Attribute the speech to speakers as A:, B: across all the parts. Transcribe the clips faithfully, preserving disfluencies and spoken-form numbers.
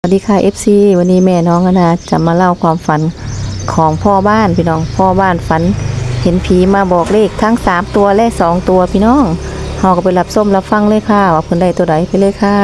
A: สวัสดีค่ะ เอฟ ซี วันนี้แม่น้องนะจะมาเล่าความฝันของพ่อบ้านพี่น้องพ่อบ้านฝันเห็นผีมาบอกเลขทั้งสามตัวและสองตัวพี่น้องเฮาก็ไปรับส้มรับฟังเลยค่ะว่าเพิ่นได้ตัวใดไปเลยค่ะ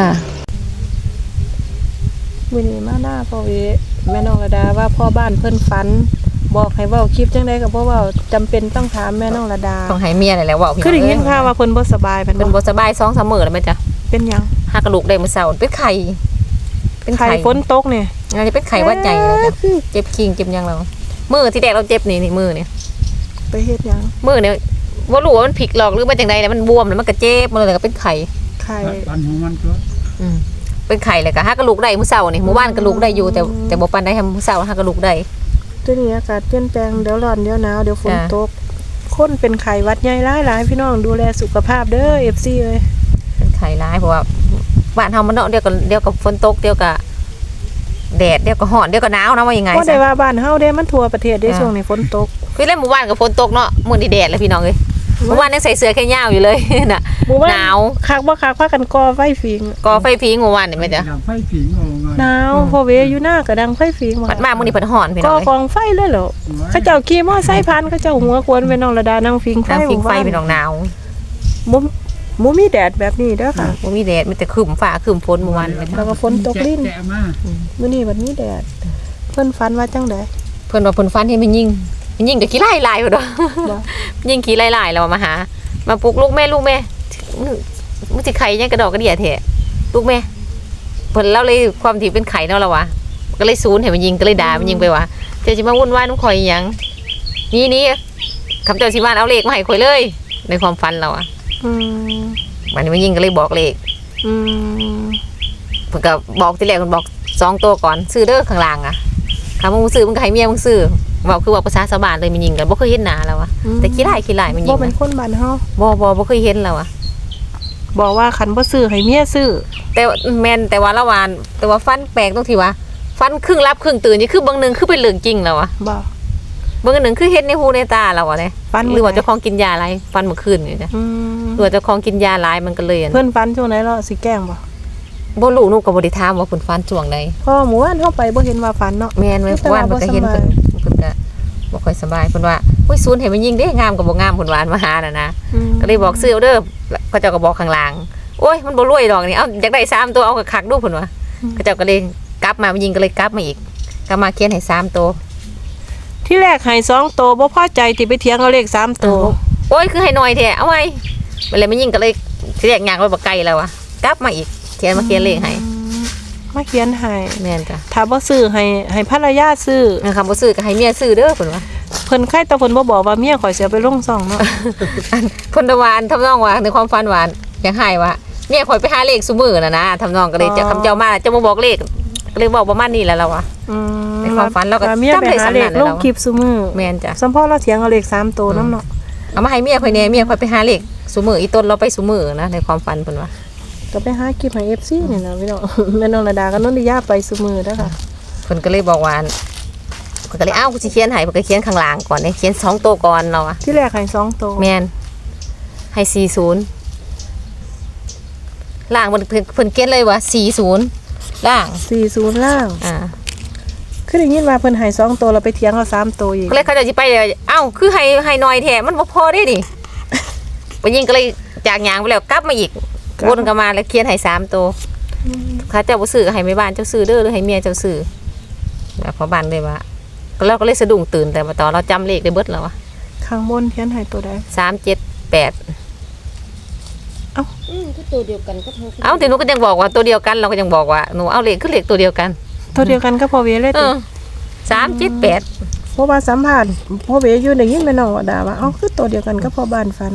A: วันนี้มาหน้าพ่อเวแม่น้องระดาว่าพ่อบ้านเพิ่นฝันบอกให้เว้าคลิปจังได๋ก็บ่เว้าจำเป็นต้องถามแม่น้องระดา
B: ต้องให้เมียนั่นแหละเว้าพี่น้อง
A: คือได้ยินข่าวว่าเพิ่นบ่สบายเพิ่น
B: เพิ่นบ่สบายสองสามมื้อแล้วแม่จ้ะ
A: เป็นหยัง
B: หากระดูกได้มื้อเช้าเป็นไข้เป็น
A: ไข้ฝนตกนี่
B: อันนี้เป็นไข้หวัดใหญ่เลยจ้ะเจ็บคิงเจ็บหยังแล้วมื้อที่แรกเราเจ็บนี่นี่มื้อนี่
A: ไปเฮ็ดหยัง
B: มื้อนี่บ่รู้ว่ามันผิดหรอกหรือว่าจังได๋แล้วมันบวมแล้วมันก็เจ็บมื้อแล้วก็เป็นไข้
A: ไข้
C: ปันของมันก็
B: อืมเป็นไข้แล้วก็หากระดูกได้มื้อเช้านี่มื้อวานกระดูกได้อยู่แต่แต่บ่ปานใดให้มื้อเช้าหากระดูกได้
A: ตัวนี้อากาศเปลี่ยนแปลงเดี๋ยวร้อนเดี๋ยวหนาวเดี๋ยวฝนตกคนเป็นไข้หวัดใหญ่หลายๆพี่น้องดูแลสุขภาพเด้อ เอฟ ซี เอ้ย
B: เป็นไข้หลายเพราะว่าบ้านเฮามันเนาะเดี๋ยวก็เดี๋ยวก็ฝนตกเดี๋ยวก็แดดเดี๋ยวก็ร้อนเดี๋ยวก็หนาวนะว่ายังไง
A: บ่ได้ว่าบ้านเฮาเด้มันทั่วประเทศได้ช่วงนี้ฝนตก
B: คือเล่นหมู่บ้านก็ฝนตกเนาะมื้อนี้แดดเลยพี่น้องเอ้ยเมื่อวานยังใส่เสื้อแค่ยาวอยู่เลยน่ะหนาว
A: คักบ่คักพากันก่อไฟฝิง
B: ก่อไฟผิงเมื่อวานนี่แม่จ้ะ
C: ไฟผิงเอาไง
A: หนาวพอเวอยู่หน้าก็ดังไฟฝิง
B: บัดมามื้อนี้เพิ่นฮ้อนพี่น้อง
A: ก่อกองไฟเลยเหรอเขาเจ้าขี่มอไซค์ผ่านเขาเจ้าหัวกวนแม่น้องระดานั่งฝิงไฟ
B: นั่งฝิงไฟพี่น้องหนาว
A: บ่บ่มีแดดแบบนี้เด้อค่ะ
B: บ่มีแดดมีแต่ครึ้มฟ้าครึ้มฝนเมื่อวาน
A: แล้วก็ฝนตกลิ้นมื้อนี้บัดนี้แดดเพิ่นฝันว่าจังได๋
B: เพิ่นว่าเพิ่นฝันเห็นมันยิงมันยิงก็ขี้ไล่หลายพุ่นเนาะยิงขี้ไล่หลายแล้วมาหามาปลุกลูกแม่ลูกแม่มึงสิไข่ยังกระดอกกระเดี่ยแท้ลูกแม่เพิ่นเล่าเลยความที่เป็นไข่เนาะล่ะวะก็เลยซูนให้มันยิงก็เลยด่ามันยิงไปว่าเจ้าสิมาวุ่นวายนำข่อยอีหยังนี่ๆคำเจ้าสิมาเอาเลขมาให้ข่อยเลยในความฝันเราอ่ะ
A: อืม
B: มันมันยิงก็เลยบอกเลข
A: อืม
B: เพิ่นก็บอกทีแรกเพิ่นบอกสองตัวก่อนซื้อเด้อข้างล่างอ่ะคำมึงซื้อมึงก็ให้เมียมึงซื้อบอกคือว่าภาษาชาวบ้านเลยมันยิงกันบ่เคยเห็นหน้าแล้วอ่ะแต่ขี้ไล่ขี้ไล่มันยิง
A: บ่เป็นคนบ้านเฮา
B: บ่บ่บ่เคยเห็นแล้วอ่ะ
A: บอกว่าคันบ่ซื้อให้เมียซื้อ
B: แต่แม่นแต่ว่าละวานแต่ว่าฟันแปลกตรงที่ว่าฟันครึ่งรับครึ่งตื่นนี่คือบางนึงคือเป็นเรื่องจริงแล้วอ่ะ
A: บ่
B: บางนึงคือเห็นในหูในตาเราอ่ะเนี่ยหรือว่าเจ้าของกินยาอะไรฟันเมื่อคืนนี่จ้ะหรือว่าเจ้าของกินยาหลายมันก็เลย
A: เพิ่นฟันช่วงไหนเนาะสิแกล้งบ่
B: บ่รู้หนูก็บ่ได้ถามว่าเพิ่นฟันช่วงใด
A: เพราะหมู่บ้านเฮาไปบ่เห็นว่าฟันเนาะ
B: แม่นเมื่อวานเพิ่นก็เห็นเพิ่นเพิ่นก็บ่ค่อยสบายเพิ่นว่าอุ้ยซูนให้มันยิงเด้งามก็บ่งามเพิ่นว่ามาหาน่ะนะก็เลยบอกซื้อเอาเด้อเขาเจ้าก็บอกข้างล่างโอ้ยมันบ่รวยดอกนี่เอ้าอยากได้สามตัวเอาคักๆดูเพิ่นว่าเขาเจ้าก็เลยกลับมามันยิงก็เลยกลับมาอีกกลับมาเขียนให้สามตัว
A: ที่แรกให้สองตัวบ่พอใจที่ไปเถียงเอาเลขสามตัว
B: โอ้ยคือให้น้อยแท้เอาไว้มันเลยมันยิงก็เลยที่แรกย่างไว้บ่ไกลแล้วอ่ะกลับมาอีกเขียนมาเขียนเลขให้
A: มาเขียนให้
B: แม่นจ้ะ
A: ถ้าบ่ซื้อให้ให้ภรรยาซื้อ
B: คำบ่ซื้อก็ให้เมียซื้อเด้อเพิ่นว่า
A: เพิ่นใครแต่เพิ่นบ่บอกว่าเมียข่อยสิเอาไปลงซ่องเนาะ
B: เพิ่นตะวานทำนองว่าในความฝันหวานอยากให้ว่าเมียข่อยไปหาเลขซุมื้อน่ะนะทำนองก็เลยจะคำเจ้ามาจะมาบอกเลขก็เลยบอกประมาณนี้แหละเราอ่ะ
A: อืม
B: ในความฝันเราก็
A: จำได้สำนักลงคลิปซุมื้อ
B: แม่นจ้ะ
A: สัมพ่อเราเถียงเอาเลขสามตัวนำเนาะ
B: เอามาให้เมียข่อยแน่เมียข่อยไปหาเลขซุมื้ออีต้นเราไปซุมื้อนะในความฝันเพิ่นว่า
A: ก็ไปหาคลิปให้ เอฟ ซี นี่นะพี่น้องแม่น้องระดากับนนทิยาไปซุมื้อเด้อค่ะ
B: เพิ่นก็เลยบอกว่าเพิ่นก็เลยอ้าวกูสิเขียนให้เพิ่นก็เขียนข้างล่างก่อนนี่เขียนสองตัวก่อนเราอ่ะ
A: ที่แรกให้สองตัว
B: แม่นให้สี่สิบล่างเพิ่นเพิ่นเขียนเลยว่าสี่สิบล่าง
A: สี่สิบล่าง
B: อ่า
A: คือได้ยินว่าเพิ่นให้สองตัวเราไปเถียงเอาสามตัวอีก
B: ก็เลยเขาจะสิไปเอ้าคือให้ให้น้อยแท้มันบ่พอได้ดิไปยิงก็เลยจากหยางไปแล้วกลับมาอีกวนกลับมาแล้วเขียนให้สามตัวเขาเจ้าบ่ซื้อให้แม่บ้านเจ้าซื้อเด้อหรือให้เมียเจ้าซื้อแล้วพอบ้านเลยว่าเราก็เลยสะดุ้งตื่นแต่มาตอนเราจำเลขได้เบิดแล้วอ่ะ
A: ข้างบนเขียนให้ตัวใด
B: สาม เจ็ด แปด
A: เอ้า
D: อืมก็ตัวเดียวกันก็โทร
B: เอ้าแต่หนูก็ยังบอกว่าตัวเดียวกันเราก็ยังบอกว่าหนูเอาเลขคือเลขตัวเดียวกัน
A: ตัวเดียวกันก็พอเวเลย
B: ติสาม เจ็ด แปด
A: เพราะว่าสัมภาษณ์พอเวอยู่ได้ยินแม่น้องว่าด่าว่าเอ้าคือตัวเดียวกันก็พอบ้านฟัน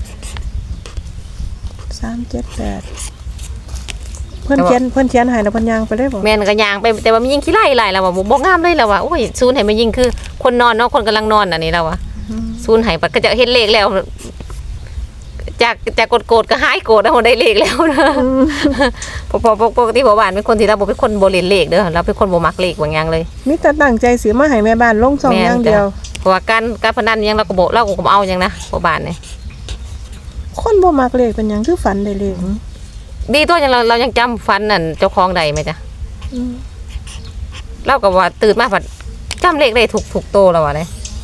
A: สาม เจ็ด แปดเพิ่นเขียนเพิ่นเขียนให้แล้วเพิ่นย่างไปเลยบ่
B: แม่นก็ย่างไปแต่ว่ามันยิงขี้ไล่ไล่แล้วว่าบ่งามเลยแล้วว่าโอ้ยซูนให้มันยิงคือคนนอนเนาะคนกำลังนอนอันนี้แล้วว่าซูนให้ปัดก็จะเห็นเลขแล้วจากจากโกรธก็หายโกรธแล้วได้เลขแล้วนะพอปกติพ่อบ้านเป็นคนที่เราบ่เป็นคนบ่เล่นเลขเด้อเราเป็นคนบ่มักเลขบางอย่างเลย
A: มีแต่ตั้งใจสิมาให้แม่บ้านลงซ่องอย่างเดียว
B: เพราะว่าการการพนันยังเราก็บ่เราก็บ่เอาหยังนะพ่อบ้านนี่
A: คนบ่มักเลขเป็นหยังคือฝันได้เลข
B: ดีตัวยังเราเรายังจำฟันนั่นเจ้าของใดไหมจ๊ะเล่ากับว่าตื่นมาผัดจำเลขได้ถูกถูกโตแล้ววะเลย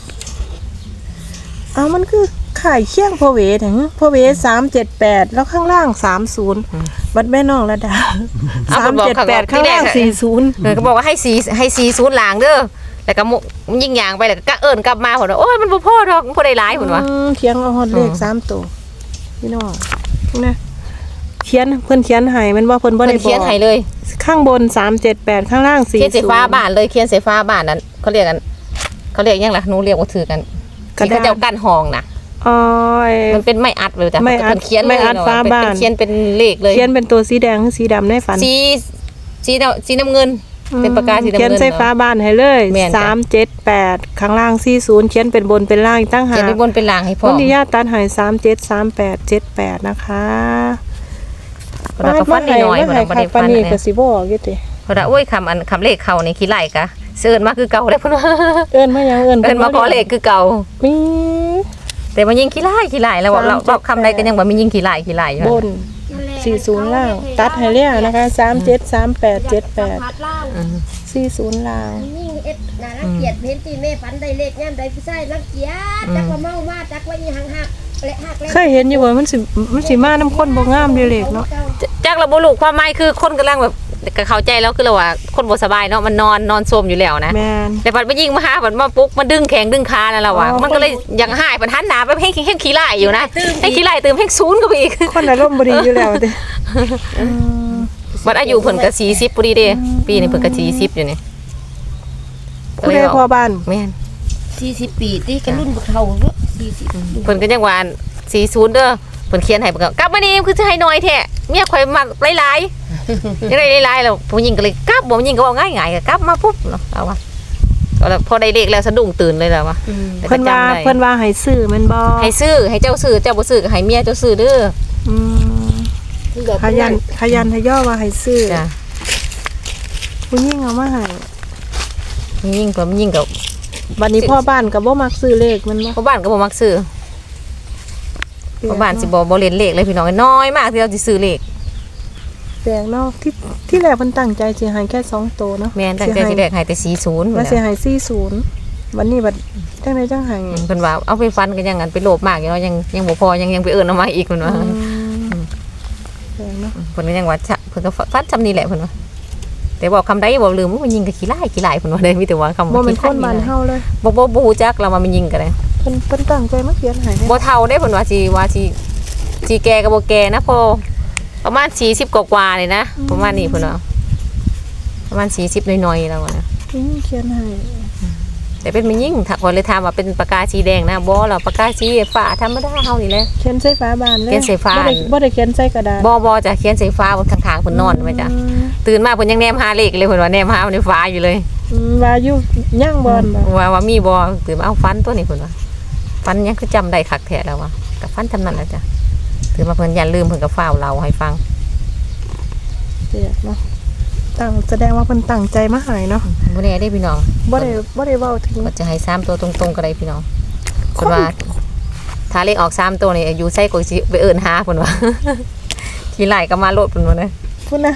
C: เอามันคือขายเคียงพอเวถึงพอเวสามเจ็ดแปดแล้วข้างล่างสามศูนย์บัดแม่น้องระดาสามเจ็ดแปดข้างล่างสี่ศูนย์
B: เออเขาบอกว่าให้สีให้สีศูนย์หลางเด้อแล้วก็มุยิงยางไปแล้วก็เอิญกลับมาผลว่าโอ้ยมันบ่พอดอกมันบ่ได้หลายผลว่า
C: อืมเขียนเอาฮอดเลขสามตัวพี่น้องนะเขียนเพิ่นเขียนให้มันว่าเพิ่นบ่
B: เพิ่
C: ได้
B: น
C: บ
B: เขีย
C: อน ก
B: ให้เลย
C: ข้างบนสามเจ็ดแปดข้างล่างสี่
B: เขียน
C: ศู
B: สี
C: นย์
B: ฟ้าบ้านเลยเขียนสีฟ้าบ้านนั้นเขาเรียกกันเขาเรียกยังล่ะหนูเรียกว่าถือกันที่เขาเจ้ากั้นห้องน่ะ
C: อ๋อไอ้
B: มันเป็นไม้อัดเลยจ้ะ
C: ไม้อัด
B: เพิ่นเขียนเลย
C: ไม้อัด
B: เนะ
C: ฟ้าบ้าน
B: เป็นเขียนเป็นเลขเลย
C: เขียนเป็นตัวสีแดงหรือสีดำในฝัน
B: สีสีดำสีน้ำเงิน เป็นปากกาสีน้ำเงิน
C: เขียนใส่ฟ้าบ้านให้เลย
B: แม่นจ้ะ
C: สามเจ็ดแปดข้างล่างสี่ศูนย์เขียนเป็นบนเป็นล่างอีกตั้งหา
B: เขียน
C: ก
B: เป็นบนเป็นล่างให้พ่อ
C: วันที่ญาติตัดใหายสามเจ็ดสามแปดเจ็ดแปดนะคะ
B: เราก็ฟันนิดหน่อย
C: มา
B: เรา
C: ให้
B: บ่ได้
C: ปา
B: ฟัน
C: นี
B: เนี่ย
C: ก็สิบอกอยู่ติ
B: เพราะว่าโอ้ยคำอันคำเลขเขาในขี้ไหลกะเสิร์นมาคือเก่าเลยเพิ่นว่า
C: เอิ้นมาหยังเอิ้น
B: เอิ้นมาขอเลขคือเก่า
C: มี
B: แต่มันยิงขี้ไหลขี้ไหลแล้วบอกเรา
C: สามเจ็ด
B: เราคำใดก็ยังว่ามียิงขี้ไหลขี้ไหลอยู่
C: บนสี่ศูนย์ล่าง ตัดให้แล้วนะคะสามเจ็ดสามแปดเจ็ดแปด
D: พัดล่าง
B: อืม
C: สี่ศูนย์ล่าง
D: ยิ่งเอ็ดน่ารังเกียจเห็นตีแม่ฝันได้เลขย่ำได้ผู้ชายรังเกียจจักว่าเมามาจักว่าอีหังหักเละหักเละ
C: เคยเห็นอยู่ว่ามันสิมันสิมาน้ำข้นบ่งามเด้อเลขเนาะ
B: จากเราบ่รู้ความหมายคือคนกำลังแบบก็เข้าใจแล้วคือเราว่าคนบ่สบายเนาะมันนอนนอนซมอยู่แล้วนะ
C: แม่น
B: แต่ปัดมายิงมาหาปัดมาปุ๊กมันดึงแขงดึงขานั่นแหละว่ะ
C: อ๋อ
B: มันก็เลยอยากหายปัดหันหน้าไปเพ่งเพ่งขี้ไหลอยู่นะให้ขี้ไหลตื่มเพ่งศูนย์ก็ไปอีก
C: คนอารมณ์บ่ดีอยู่แล้วติอืม
B: บัดอายุเพิ่นก็สี่สิบพอดีเด้ปีนี้เพิ่นก็สี่สิบอยู่นี่
C: ผู้ใดพอบ้าน
B: แม่น
D: สี่สิบปีตีกันรุ่นบุกเท่าเนอะสี่สิบ
B: เพิ่นก็ยังว่าสี่ศูนย์เด้อเพิ่นเขียนให้เพิ่นก็กลับมานี่คือจะให้น้อยแท้เมียข่อยมักหลายๆยังได้หลายๆแล้วผู้หญิงก็เลยกลับบ่ผู้หญิงก็เว้าง่ายๆก็กลับมาปุ๊บเนาะเอาว่าก็แล้วพอได้เลขแล้วสะดุ้งตื่นเลยแล้วว่า
C: เพิ่นว่าเพิ่นว่าให้ซื้อแม่นบ่
B: ให้ซื้อให้เจ้าซื้อเจ้าบ่ซื้อก็ให้เมียเจ้าซื้อเด้อ
C: อืมขยันขยันทะย่อว่าให้ซื้อ
B: จ้ะ
C: ผู้หญิงเอามาให้
B: ผู้หญิงก็ผู้หญิงก็
C: บัดนี้พ่อบ้านก็บ่มักซื้อเลขมันบ่
B: พ่อบ้านก็บ่มักซื้อพ่อบ้านสิบ่บ่เล่นเลขเลยพี่น้องน้อยมากที่เราสิซื้อเลข
C: แปลกเนาะที่ที่แรกเพิ่นตั้งใจสิให้แค่สองตัวเนาะ
B: แม่นตั้งใจสิแรกให้แต่สี่ศูนย์
C: ว่าสิให้สี่ศูนย์วันนี้บัดจังไดจังให้
B: เพิ่นว่าเอาไปฟันกันยังงั้นไปโลภมากอยู่เนาะยังยังบ่พอยังยังไปเอิ้นเอามาอีกเพิ่นว่า
C: อืมแปลกเนาะ
B: เพิ่นก็ยังว่าจะเพิ่นก็ฟันจำนี่แหละเพิ่นว่าแต่บอกคำใดบ่ลืมว่ามันยิงก็ขี้ร้ายขี้ร้ายเพิ่นว่าได้มีแต่ว่าคำ
C: บ่
B: ว่า
C: เป็น
B: ขี้
C: คนบ้านเฮาเลย
B: บ่บ่บ่ฮู้จักเราว่ามันยิงก็ได้
C: เพิ่นเพิ่นตั้งใจมาเขียนให้
B: บ่เท่าได้เพิ่นว่าสิว่าสิสิแก่ก็บ่แก่นะพอประมาณสี่สิบกว่าๆเลยนะประมาณนี้เพิ่นว่าประมาณสี่สิบหน่อยๆแล้วอะนะ
C: อืมเขียนให้
B: แต่เป็นมันยิ่งถ้าคนเลยถามว่าเป็นปากกาสีแดงนะบ่หรอกปากกาสีฟ้าธรรมดาเฮานี่แหละ
C: เขียนใส่ฝาบ้านเลย
B: เขียนใส่ฝา
C: บ่ได้บ่ได้เขียนใส่กระดาษ
B: บ่บ่จะเขียนสีฟ้าบนข้างๆเพิ่นนอนไว้จ้ะ
C: อืม
B: ตื่นมาเพิ่นยังแนมหาเลขเลยเพิ่นว่าแนมหาในฟ้าอยู่เลย
C: อืมว่าอยู่ย่างบอนบ่
B: ว่าว่ามีบ่ตื่นมาเอาฟันตัวนี้เพิ่นว่าฟันยังคือจำได้คักแท้แล้วว่ากับฟันจำนั้นแหละจ้ะตื่นมาเพิ่นอย่าลืมเพิ่นก็ฟ้าวเล่าให้ฟัง
C: เปียกเนาะตั้งแสดงว่าเพิ่นตั้งใจมาให้เนาะ
B: บ่แน่ได้พี่น้อง
C: บ่ได้บ่ได้เว้าถึง
B: ก็จะให้สามตัวตรงๆก็ได้พี่น้องเพิ่นว่าถ้าเลขออกสามตัวนี่อยู่ไสก็สิไปเอิ้นหาเพิ่นว่า ทีไล่ก็มาโลดเพิ่นว่านะ
C: พุ่นนะ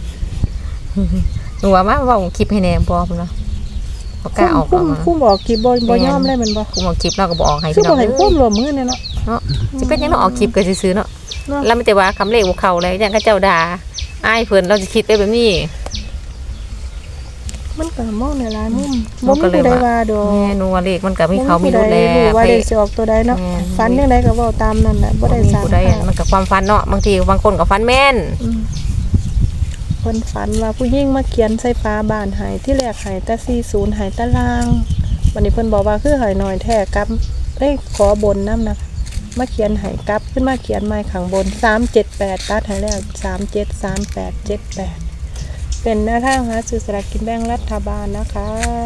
B: หนูว่ามาเว่าคลิปให้แหน่บ่เพิ่นว่าบ่กล้าออก
C: คุ้
B: อ
C: ม
B: อกมา
C: คุ้มบอกกี่บ่บ่ยอมเลยแมันบ่
B: คุมออกคลิปเราก็บ่ออกให้
C: คือ
B: พี่น้
C: บ่
B: อง
C: ให้
B: เด้
C: คุ้
B: อ
C: มรวมมือเนี่ยเนาะ
B: เนาะสิเป็นหยังเนาะออกคลิปก็ซื่อๆเนาะ
C: เนาะ
B: แล้วมีแต่ว่าคำเลขบ่เข้าเลยอย่างเขาเจ้าด่าอายเพิ่นเราจะคิดไปแบบนี้
C: มันก็มองในหลายมุม
B: มั
C: บ่
B: นก็
C: มี
B: เลย
C: ผู้ใด
B: ว่า
C: ว่าดอก
B: แม่หนูว่าเลขมันก็มีเขามี
C: บ่
B: รู้
C: ผู้ใด
B: แล้ว
C: รู้ว่า
B: ไป
C: เลขสิออกตัวใดเนาะ
B: แม่น
C: ฝันจังไดก็เว้าตามนั้นแหละบ่ได้
B: มี
C: สร้าง
B: ผู้ใดอะมันก็ความฝันเนาะบางทีบางคนก็ฝันแม่น
C: อืมเพิ่นฝันว่าผู้หญิงมาเขียนใส่ฝาบ้านให้ที่แรกให้แต่สี่สิบให้ตารางวันนี้เพิ่นบอกว่าคือให้น้อยแท้กลับเอ้ยขอบนนำนะมาเขียนให้กลับขึ้นมาเขียนใหม่ข้างบนสามเจ็ดแปดตัดให้แล้วสามเจ็ด สามแปด เจ็ดแปดเป็นหน้าทางหาซื้อสลากกินแบ่งรัฐบาลนะคะ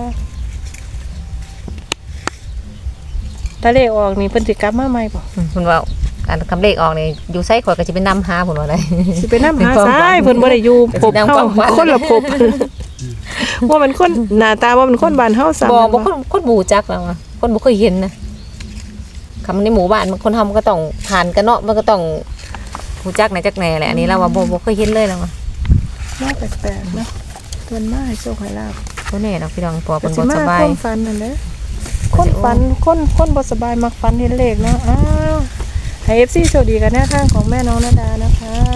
C: ถ้าเลขออกนี่เพิ่นสิกลับมาใหม่บ่
B: อืมเพิ่นว่าอันคำเลขออกนี่อยู่ไสข่อยก็สิไปนำหาเพิ่นว่าได้
C: สิไปนำหาซ้ายเพิ่นบ่ได้อยู่พบเฮาคนละพบว่ามันคนหน้าตาว่ามันคนบ้านเฮาซ้ํ
B: บ่บ่คนคนบ่รู้จักแล้วอะคนบ่เคยเห็นนะคำในหมู่บ้านมันคนเฮามันก็ต้องผ่านกันเนาะมันก็ต้องรู้จักไหนจักแหน่แหละอันนี้เราว่าบ่บ่เคยเห็นเลยแล้วอะ
C: น่าแปลกๆเนาะเพิ่นมาให้โชคให้ลาภ
B: บ่แน่เนาะพี่น้องปอ
C: ก็
B: เพิ่น
C: สิ
B: บ่
C: มา
B: สบา
C: ค
B: ย
C: นฝันนั่นแหละคนฝันคนคนบ่สบายมักฝันเห็นเลขเนาะอ้าวให้ เอฟ ซี โชคดีกันแนวทางของแม่น้องนาดานะคะ